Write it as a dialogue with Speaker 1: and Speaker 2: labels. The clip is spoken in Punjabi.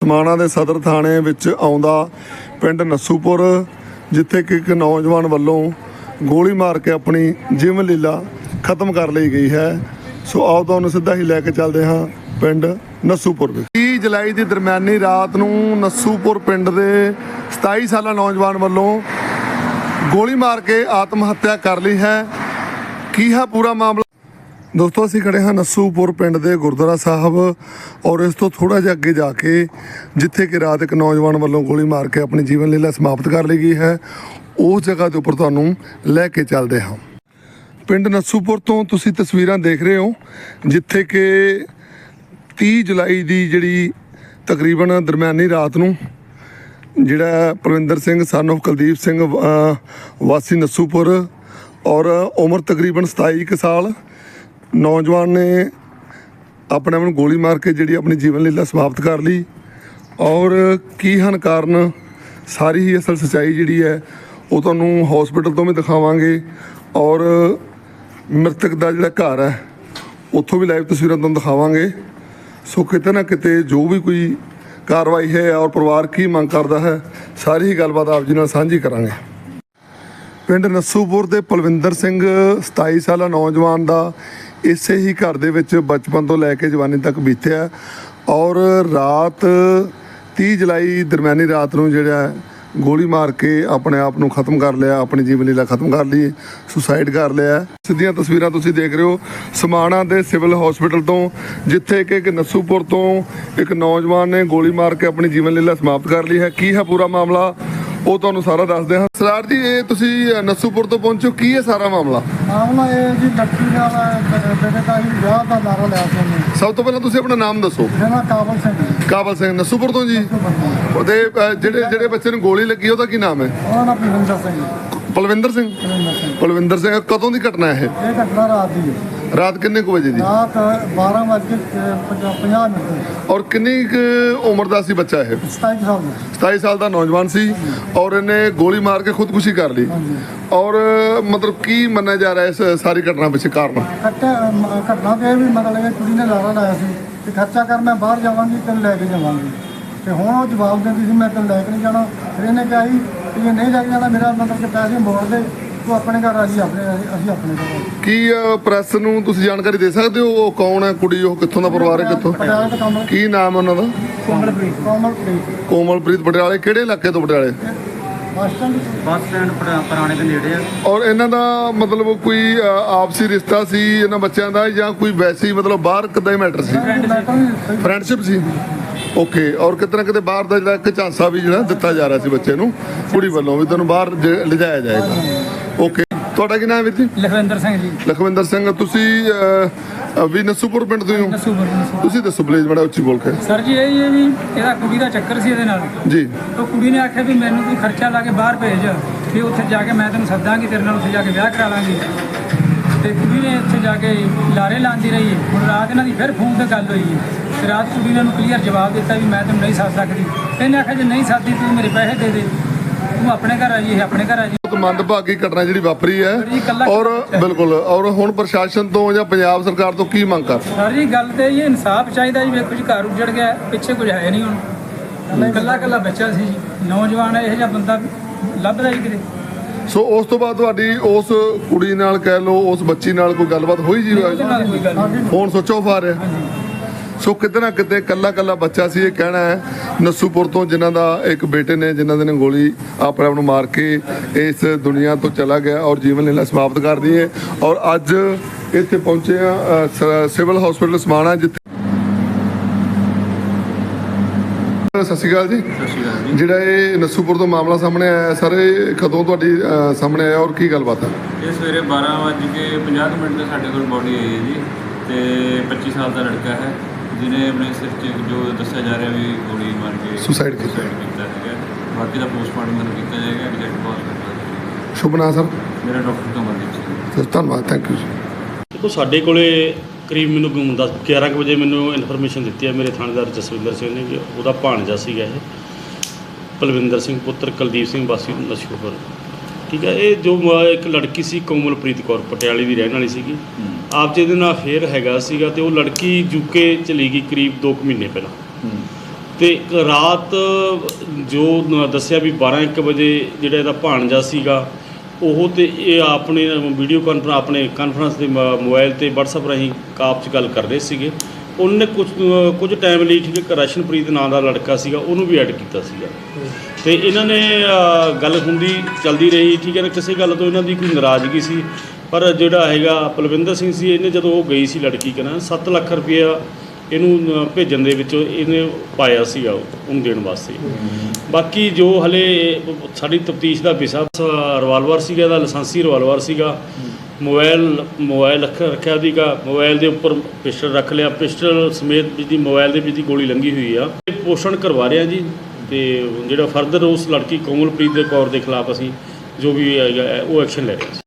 Speaker 1: ਸਮਾਣਾ ਦੇ ਸਦਰ ਥਾਣੇ ਵਿੱਚ ਆਉਂਦਾ ਪਿੰਡ ਨਸੂਪੁਰ, ਜਿੱਥੇ ਕਿ ਇੱਕ ਨੌਜਵਾਨ ਵੱਲੋਂ ਗੋਲੀ ਮਾਰ ਕੇ ਆਪਣੀ ਜੀਵਨ ਲੀਲਾ ਖਤਮ ਕਰ ਲਈ ਗਈ ਹੈ। ਸੋ ਆਓ ਤੁਹਾਨੂੰ ਸਿੱਧਾ ਹੀ ਲੈ ਕੇ ਚੱਲਦੇ ਹਾਂ ਪਿੰਡ ਨਸੂਪੁਰ ਵਿੱਚ। 30 ਜੁਲਾਈ ਦੀ ਦਰਮਿਆਨੀ ਰਾਤ ਨੂੰ ਨਸੂਪੁਰ ਪਿੰਡ ਦੇ 27 ਸਾਲਾ ਨੌਜਵਾਨ ਵੱਲੋਂ ਗੋਲੀ ਮਾਰ ਕੇ ਆਤਮ ਹੱਤਿਆ ਕਰ ਲਈ ਹੈ। ਕੀ ਹੈ ਪੂਰਾ ਮਾਮਲਾ ਦੋਸਤੋ? ਅਸੀਂ ਖੜੇ ਹਾਂ ਨਸੂਪੁਰ ਪਿੰਡ ਦੇ ਗੁਰਦੁਆਰਾ ਸਾਹਿਬ ਔਰ ਇਸ ਤੋਂ ਥੋੜ੍ਹਾ ਜਿਹਾ ਅੱਗੇ ਜਾ ਕੇ, ਜਿੱਥੇ ਕਿ ਰਾਤ ਇੱਕ ਨੌਜਵਾਨ ਵੱਲੋਂ ਗੋਲੀ ਮਾਰ ਕੇ ਆਪਣੀ ਜੀਵਨ ਲੀਲਾ ਸਮਾਪਤ ਕਰ ਲਈ ਗਈ ਹੈ, ਉਸ ਜਗ੍ਹਾ ਦੇ ਉੱਪਰ ਤੁਹਾਨੂੰ ਲੈ ਕੇ ਚੱਲਦੇ ਹਾਂ। ਪਿੰਡ ਨਸੂਪੁਰ ਤੋਂ ਤੁਸੀਂ ਤਸਵੀਰਾਂ ਦੇਖ ਰਹੇ ਹੋ, ਜਿੱਥੇ ਕਿ 30 ਜੁਲਾਈ ਦੀ ਜਿਹੜੀ ਤਕਰੀਬਨ ਦਰਮਿਆਨੀ ਰਾਤ ਨੂੰ ਜਿਹੜਾ ਪਰਵਿੰਦਰ ਸਿੰਘ son of ਕੁਲਦੀਪ ਸਿੰਘ ਵਾਸੀ ਨਸੂਪੁਰ ਔਰ ਉਮਰ ਤਕਰੀਬਨ 27 ਕੁ ਸਾਲ ਨੌਜਵਾਨ ਨੇ ਆਪਣੇ ਆਪ ਨੂੰ ਗੋਲੀ ਮਾਰ ਕੇ ਜਿਹੜੀ ਆਪਣੀ ਜੀਵਨ ਲੀਲਾ ਸਮਾਪਤ ਕਰ ਲਈ। ਔਰ ਕੀ ਹਨ ਕਾਰਨ, ਸਾਰੀ ਹੀ ਅਸਲ ਸੱਚਾਈ ਜਿਹੜੀ ਹੈ ਉਹ ਤੁਹਾਨੂੰ ਹਸਪੀਟਲ ਤੋਂ ਵੀ ਦਿਖਾਵਾਂਗੇ ਔਰ ਮ੍ਰਿਤਕ ਦਾ ਜਿਹੜਾ ਘਰ ਹੈ ਉੱਥੋਂ ਵੀ ਲਾਈਵ ਤਸਵੀਰਾਂ ਤੁਹਾਨੂੰ ਦਿਖਾਵਾਂਗੇ। ਸੋ ਕਿਤੇ ਨਾ ਕਿਤੇ ਜੋ ਵੀ ਕੋਈ ਕਾਰਵਾਈ ਹੈ ਔਰ ਪਰਿਵਾਰ ਕੀ ਮੰਗ ਕਰਦਾ ਹੈ, ਸਾਰੀ ਹੀ ਗੱਲਬਾਤ ਆਪ ਜੀ ਨਾਲ ਸਾਂਝੀ ਕਰਾਂਗੇ। ਪਿੰਡ ਨਸੂਪੁਰ ਦੇ ਪਲਵਿੰਦਰ ਸਿੰਘ 27 ਸਾਲਾ ਨੌਜਵਾਨ ਦਾ ਇਸੇ ਹੀ ਘਰ ਦੇ ਵਿੱਚ ਬਚਪਨ ਤੋਂ ਲੈ ਕੇ ਜਵਾਨੀ ਤੱਕ ਬੀਤਿਆ ਔਰ ਰਾਤ 30 ਜੁਲਾਈ ਦਰਮਿਆਨੀ ਰਾਤ ਨੂੰ ਜਿਹੜਾ ਗੋਲੀ ਮਾਰ ਕੇ ਆਪਣੇ ਆਪ ਨੂੰ ਖਤਮ ਕਰ ਲਿਆ, ਆਪਣੀ ਜੀਵਨ ਲੀਲਾ ਖਤਮ ਕਰ ਲਈ, ਸੁਸਾਈਡ ਕਰ ਲਿਆ। ਸਿੱਧੀਆਂ ਤਸਵੀਰਾਂ ਤੁਸੀਂ ਦੇਖ ਰਹੇ ਹੋ ਸਮਾਣਾ ਦੇ ਸਿਵਲ ਹਸਪੀਟਲ ਤੋਂ, ਜਿੱਥੇ ਕਿ ਇੱਕ ਨਸੂਪੁਰ ਤੋਂ ਇੱਕ ਨੌਜਵਾਨ ਨੇ ਗੋਲੀ ਮਾਰ ਕੇ ਆਪਣੀ ਜੀਵਨ ਲੀਲਾ ਸਮਾਪਤ ਕਰ ਲਈ ਹੈ। ਕੀ ਹੈ ਪੂਰਾ ਮਾਮਲਾ ਉਹ ਤੁਹਾਨੂੰ ਸਾਰਾ ਦੱਸਦੇ ਹਾਂ। ਸਰਦਾਰ ਜੀ, ਇਹ ਤੁਸੀਂ ਨਸੂਪੁਰ ਤੋਂ ਪਹੁੰਚੋ, ਕੀ ਹੈ ਸਾਰਾ ਮਾਮਲਾ?
Speaker 2: ਮਾਮਲਾ ਇਹ ਜੀ ਲੜਕੀ ਨਾਲ ਬੇਟੇ ਦਾ ਹੀ ਵਿਆਹ ਦਾ ਨਾਰਾ ਲਿਆ ਸੀ ਉਹਨੇ।
Speaker 1: ਸਭ ਤੋਂ ਪਹਿਲਾਂ ਤੁਸੀਂ ਆਪਣਾ ਨਾਮ ਦੱਸੋ।
Speaker 2: ਮੇਰਾ ਕਾਬਲ ਸਿੰਘ।
Speaker 1: ਕਾਬਲ ਸਿੰਘ ਨਸੂਪੁਰ ਤੋਂ ਜੀ। ਉਹਦੇ ਜਿਹੜੇ ਬੱਚੇ ਨੂੰ ਗੋਲੀ ਲੱਗੀ ਉਹਦਾ ਕੀ ਨਾਮ ਹੈ?
Speaker 2: ਉਹਦਾ ਨਾਮ ਪਲਵਿੰਦਰ ਸਿੰਘ।
Speaker 1: ਪਲਵਿੰਦਰ ਸਿੰਘ। ਪਲਵਿੰਦਰ ਸਿੰਘ। ਕਦੋਂ ਦੀ ਘਟਨਾ ਹੈ
Speaker 2: ਇਹ ਘਟਨਾ ਰਾਤ ਦੀ ਹੈ।
Speaker 1: ਰਾਤ ਕਿੰਨੇ ਕੁ ਵਜੇ ਦੀ?
Speaker 2: ਰਾਤ 12:50 ਮਿੰਟ।
Speaker 1: ਔਰ ਕਿੰਨੀ ਕੁ ਉਮਰ ਦਾ ਸੀ ਬੱਚਾ ਇਹ?
Speaker 2: 27 ਸਾਲ ਦਾ।
Speaker 1: 27 ਸਾਲ ਦਾ ਨੌਜਵਾਨ ਸੀ ਔਰ ਇਹਨੇ ਗੋਲੀ ਮਾਰ ਕੇ ਖੁਦਕੁਸ਼ੀ ਕਰ ਲਈ। ਔਰ ਮਤਲਬ ਕੀ ਮੰਨਿਆ ਜਾ ਰਿਹਾ ਇਸ ਸਾਰੀ ਘਟਨਾ ਪਿੱਛੇ ਕਾਰਨ?
Speaker 2: ਘਟਨਾ ਤੇ ਇਹ ਵੀ ਮਤਲਬ ਇਹ ਕੁੜੀ ਨੇ ਲਾਰਾ ਲਾਇਆ ਸੀ ਕਿ ਖਰਚਾ ਕਰ, ਮੈਂ ਬਾਹਰ ਜਾਵਾਂਗੀ ਤੈਨੂੰ ਲੈ ਕੇ ਜਾਵਾਂਗੀ। ਤੇ ਹੁਣ ਉਹ ਜਵਾਬ ਦਿੰਦੀ ਸੀ ਮੈਂ ਤੈਨੂੰ ਲੈ ਕੇ ਨਹੀਂ ਜਾਣਾ। ਫਿਰ ਇਹਨੇ ਕਿਹਾ ਸੀ ਕਿ ਜੇ ਨਹੀਂ ਲੈ ਕੇ ਜਾਣਾ ਮੇਰਾ ਮਤਲਬ ਕਿ ਪੈਸੇ ਮੋੜ ਦੇ, ਤੂੰ ਆਪਣੇ ਘਰ ਆ ਜੀ, ਅਸੀਂ ਆਪਣੇ ਘਰ।
Speaker 1: ਕੀ ਪ੍ਰੈਸ ਨੂੰ ਤੁਸੀਂ ਜਾਣਕਾਰੀ ਦੇ ਸਕਦੇ ਹੋ ਉਹ ਕੌਣ ਹੈ ਕੁੜੀ, ਉਹ ਕਿੱਥੋਂ ਦਾ ਪਰਿਵਾਰ ਹੈ, ਕਿੱਥੋਂ, ਕੀ ਨਾਮ ਹੈ ਉਹਨਾਂ ਦਾ?
Speaker 2: ਕੋਮਲਪ੍ਰੀਤ।
Speaker 1: ਕੋਮਲਪ੍ਰੀਤ। ਪਟਿਆਲੇ ਕਿਹੜੇ ਇਲਾਕੇ ਤੋਂ? ਪਟਿਆਲੇ
Speaker 2: ਬੱਸ ਸਟੈਂਡ ਪੁਰਾਣੇ ਦੇ ਨੇੜੇ ਆ।
Speaker 1: ਔਰ ਇਹਨਾਂ ਦਾ ਮਤਲਬ ਕੋਈ ਆਪਸੀ ਰਿਸ਼ਤਾ ਸੀ ਇਹਨਾਂ ਬੱਚਿਆਂ ਦਾ, ਜਾਂ ਕੋਈ ਵੈਸੀ ਮਤਲਬ ਬਾਹਰ ਕਿੱਦਾਂ ਹੀ ਮੈਟਰ ਸੀ? ਫਰੈਂਡਸ਼ਿਪ ਸੀ। ਓਕੇ। ਔਰ ਕਿਤੇ ਨਾ ਕਿਤੇ ਬਾਹਰ ਦਾ ਜਿਹੜਾ ਇੱਕ ਝਾਂਸਾ ਵੀ ਜਿਹੜਾ ਦਿੱਤਾ ਜਾ ਰਿਹਾ ਸੀ ਬੱਚੇ ਨੂੰ ਕੁੜੀ ਵੱਲੋਂ ਵੀ ਤੈਨੂੰ ਬਾਹਰ ਲਿਜਾਇਆ ਜਾਏਗਾ। ਓਕੇ। ਤੁਹਾਡਾ ਕੀ ਨਾਮ ਹੈ ਵੀਰ ਜੀ?
Speaker 2: ਲਖਵਿੰਦਰ ਸਿੰਘ ਜੀ।
Speaker 1: ਲਖਵਿੰਦਰ ਸਿੰਘ। ਤੁਸੀਂ ਵੀ ਨਸੂਪੁਰ ਪਿੰਡ ਤੋਂ ਹੀ ਹੋ? ਤੁਸੀਂ ਦੱਸੋ ਪਲੀਜ਼ ਬੜਾ ਉੱਚੀ ਬੋਲ ਕੇ।
Speaker 3: ਸਰ ਜੀ ਇਹ ਵੀ ਇਹਦਾ ਕੁੜੀ ਦਾ ਚੱਕਰ ਸੀ ਇਹਦੇ ਨਾਲ
Speaker 1: ਜੀ।
Speaker 3: ਉਹ ਕੁੜੀ ਨੇ ਆਖਿਆ ਵੀ ਮੈਨੂੰ ਕੋਈ ਖਰਚਾ ਲਾ ਕੇ ਬਾਹਰ ਭੇਜ, ਵੀ ਉੱਥੇ ਜਾ ਕੇ ਮੈਂ ਤੈਨੂੰ ਸੱਦਾਂਗੀ, ਤੇਰੇ ਨਾਲ ਉੱਥੇ ਜਾ ਕੇ ਵਿਆਹ ਕਰਾ ਲਾਂਗੀ। ਤੇ ਕੁੜੀ ਨੇ ਉੱਥੇ ਜਾ ਕੇ ਲਾਰੇ ਲਾਉਂਦੀ ਰਹੀ। ਹੁਣ ਰਾਤ ਇਹਨਾਂ ਦੀ ਫਿਰ ਫੋਨ 'ਤੇ ਗੱਲ ਹੋਈ ਤੇ ਰਾਤ ਕੁੜੀ ਨੇ ਉਹਨੂੰ ਕਲੀਅਰ ਜਵਾਬ ਦਿੱਤਾ ਵੀ ਮੈਂ ਤੈਨੂੰ ਨਹੀਂ ਸੱਦ ਸਕਦੀ। ਇਹਨੇ ਆਖਿਆ ਜੇ ਨਹੀਂ ਸੱਦਦੀ ਤੂੰ ਮੇਰੇ ਪੈਸੇ ਦੇ ਦੇ, ਤੂੰ ਆਪਣੇ ਘਰ ਆ ਜੀ, ਇਹ ਆਪਣੇ ਘਰ ਆ ਜੀ।
Speaker 1: ਮੰਦਭਾਗੀ ਘਟਨਾ ਜਿਹੜੀ ਵਾਪਰੀ ਹੈ ਔਰ ਬਿਲਕੁਲ। ਔਰ ਹੁਣ ਪ੍ਰਸ਼ਾਸਨ ਤੋਂ ਜਾਂ ਪੰਜਾਬ ਸਰਕਾਰ ਤੋਂ ਕੀ ਮੰਗ ਕਰ?
Speaker 3: ਸਰ ਜੀ ਗੱਲ ਤੇ ਇਹ ਇਨਸਾਫ ਚਾਹੀਦਾ ਜੀ। ਵੇਖੋ ਜੀ ਘਰ ਉੱਜੜ ਗਿਆ, ਪਿੱਛੇ ਕੁਝ ਹੈ ਨਹੀਂ। ਹੁਣ ਇਕੱਲਾ ਬੱਚਾ ਸੀ ਜੀ, ਨੌਜਵਾਨ ਇਹੋ ਜਿਹਾ ਬੰਦਾ ਲੱਭਦਾ ਜੀ ਕਿਤੇ।
Speaker 1: ਸੋ ਉਸ ਤੋਂ ਬਾਅਦ ਤੁਹਾਡੀ ਉਸ ਕੁੜੀ ਨਾਲ ਕਹਿ ਲਓ, ਉਸ ਬੱਚੀ ਨਾਲ ਕੋਈ ਗੱਲਬਾਤ ਹੋਈ ਜੀ? ਫੋਨ ਸੁੱਚ ਆਫ ਆ ਰਿਹਾ। ਸੋ ਕਿਤੇ ਨਾ ਕਿਤੇ ਕੱਲਾ ਬੱਚਾ ਸੀ, ਇਹ ਕਹਿਣਾ ਹੈ ਨਸੂਪੁਰ ਤੋਂ, ਜਿਨ੍ਹਾਂ ਦਾ ਇੱਕ ਬੇਟੇ ਨੇ ਜਿਨ੍ਹਾਂ ਦੇ ਨੇ ਗੋਲੀ ਆਪਣੇ ਆਪ ਨੂੰ ਮਾਰ ਕੇ ਇਸ ਦੁਨੀਆ ਤੋਂ ਚਲਾ ਗਿਆ ਔਰ ਜੀਵਨ ਲੀਲਾ ਸਮਾਪਤ ਕਰ ਦੀ ਹੈ। ਔਰ ਅੱਜ ਇੱਥੇ ਪਹੁੰਚੇ ਆ ਸਿਵਲ ਹਸਪੀਟਲ ਸਮਾਣਾ, ਜਿੱਥੇ ਸਤਿ ਸ਼੍ਰੀ ਅਕਾਲ ਜੀ। ਜਿਹੜਾ ਇਹ ਨਸੂਪੁਰ ਤੋਂ ਮਾਮਲਾ ਸਾਹਮਣੇ ਆਇਆ ਸਰ, ਇਹ ਕਦੋਂ ਤੁਹਾਡੀ ਸਾਹਮਣੇ ਆਇਆ ਔਰ ਕੀ ਗੱਲਬਾਤ ਹੈ?
Speaker 4: ਇਹ ਸਵੇਰੇ 12:50 ਤੇ ਸਾਡੇ ਕੋਲ ਬੋਡੀ ਆਈ ਹੈ ਜੀ, ਤੇ 25 ਸਾਲ ਦਾ ਲੜਕਾ ਹੈ ਜਿਹਨੇ ਆਪਣੇ ਸਿਰ 'ਚ ਜੋ ਦੱਸਿਆ ਜਾ ਰਿਹਾ ਵੀ ਗੋਲੀ ਮਾਰ ਕੇ
Speaker 1: ਸੁਸਾਈਡ
Speaker 4: ਕੀਤਾ ਹੈਗਾ। ਬਾਕੀ ਦਾ ਪੋਸਟਮਾਰਟਮ ਕੀਤਾ ਜਾਏਗਾ, ਐਗਜ਼ੈਕਟ ਕਾਜ਼ ਕਰਨਾ।
Speaker 1: ਸ਼ੁਭ ਨਾਮ ਸਰ?
Speaker 4: ਮੇਰਾ ਡਾਕਟਰ ਕਮਲਦੀਪ ਸਿੰਘ।
Speaker 1: ਸਰ ਧੰਨਵਾਦ, ਥੈਂਕ ਯੂ ਜੀ।
Speaker 5: ਦੇਖੋ ਸਾਡੇ ਕੋਲੇ ਕਰੀਬ ਮੈਨੂੰ 11 ਕੁ ਵਜੇ ਮੈਨੂੰ ਇਨਫੋਰਮੇਸ਼ਨ ਦਿੱਤੀ ਹੈ ਮੇਰੇ ਥਾਣੇਦਾਰ ਜਸਵਿੰਦਰ ਸਿੰਘ ਨੇ ਕਿ ਉਹਦਾ ਭਾਣਜਾ ਸੀਗਾ ਇਹ ਪਲਵਿੰਦਰ ਸਿੰਘ ਪੁੱਤਰ ਕੁਲਦੀਪ ਸਿੰਘ ਵਾਸੀ ਨਸੂਪੁਰ। ਠੀਕ ਹੈ। ਇਹ ਜੋ ਇੱਕ ਲੜਕੀ ਸੀ ਕੋਮਲਪ੍ਰੀਤ ਕੌਰ, ਪਟਿਆਲੇ ਦੀ ਰਹਿਣ ਵਾਲੀ ਸੀਗੀ। ਆਪ ਜਿਹਦੇ ਨਾਲ ਅਫੇਅਰ ਹੈਗਾ ਸੀਗਾ, ਅਤੇ ਉਹ ਲੜਕੀ ਯੂਕੇ ਚਲੀ ਗਈ ਕਰੀਬ 2 ਮਹੀਨੇ ਪਹਿਲਾਂ। ਤੇ ਇੱਕ ਰਾਤ ਜੋ ਦੱਸਿਆ ਵੀ 12-1 ਵਜੇ ਜਿਹੜਾ ਇਹਦਾ ਭਾਣਜਾ ਸੀਗਾ ਉਹ ਤੇ ਇਹ ਆਪਣੇ ਵੀਡੀਓ ਕਾਨਫਰੰਸ ਆਪਣੇ ਕਾਨਫਰੰਸ ਦੇ ਮੋਬਾਈਲ ਤੇ WhatsApp ਰਾਹੀਂ ਕਾਪ 'ਚ ਗੱਲ ਕਰ ਰਹੇ ਸੀਗੇ। ਉਹਨੇ ਕੁਝ ਟਾਈਮ ਲਈ ਠੀਕ ਹੈ ਰਸ਼ਨਪ੍ਰੀਤ ਨਾਂ ਦਾ ਲੜਕਾ ਸੀਗਾ ਉਹਨੂੰ ਵੀ ਐਡ ਕੀਤਾ ਸੀਗਾ ਤੇ ਇਹਨਾਂ ਨੇ ਗੱਲ ਹੁੰਦੀ ਚੱਲਦੀ ਰਹੀ ਠੀਕ ਹੈ ਨਾ। ਕਿਸੇ ਗੱਲ ਤੋਂ ਇਹਨਾਂ ਦੀ ਕੋਈ ਨਾਰਾਜ਼ਗੀ ਸੀ ਪਰ ਜਿਹੜਾ ਹੈਗਾ ਪਲਵਿੰਦਰ ਸਿੰਘ ਸੀ ਇਹਨੇ ਜਦੋਂ ਉਹ ਗਈ ਸੀ ਲੜਕੀ ਕਹਿੰਦਾ 7 ਲੱਖ ਰੁਪਇਆ ਇਹਨੂੰ ਭੇਜਣ ਦੇ ਵਿੱਚ ਇਹਨੇ ਪਾਇਆ ਸੀਗਾ ਉਹਨੂੰ ਦੇਣ ਵਾਸਤੇ। ਬਾਕੀ ਜੋ ਹਲੇ ਸਾਡੀ ਤਫਤੀਸ਼ ਦਾ ਵਿਸ਼ਾ ਰਿਵਾਲਵਰ ਸੀਗਾ, ਇਹਦਾ ਲਾਇਸੈਂਸੀ ਰਿਵਾਲਵਰ ਸੀਗਾ। ਮੋਬਾਈਲ ਰੱਖਿਆ ਸੀਗਾ, ਮੋਬਾਈਲ ਦੇ ਉੱਪਰ ਪਿਸਟਲ ਰੱਖ ਲਿਆ, ਪਿਸਟਲ ਸਮੇਤ ਜਿਹਦੀ ਮੋਬਾਈਲ ਦੇ ਵਿੱਚ ਦੀ ਗੋਲੀ ਲੰਘੀ ਹੋਈ ਆ। ਪੋਸ਼ਣ ਕਰਵਾ ਰਿਹਾ ਜੀ ਤੇ ਜਿਹੜਾ ਫਰਦਰ ਉਸ ਲੜਕੀ ਕੋਮਲਪ੍ਰੀਤ ਦੇ ਕੌਰ ਦੇ ਖਿਲਾਫ ਅਸੀਂ ਜੋ ਵੀ ਹੈਗਾ ਉਹ ਐਕਸ਼ਨ ਲੈ ਰਹੇ ਹਾਂ।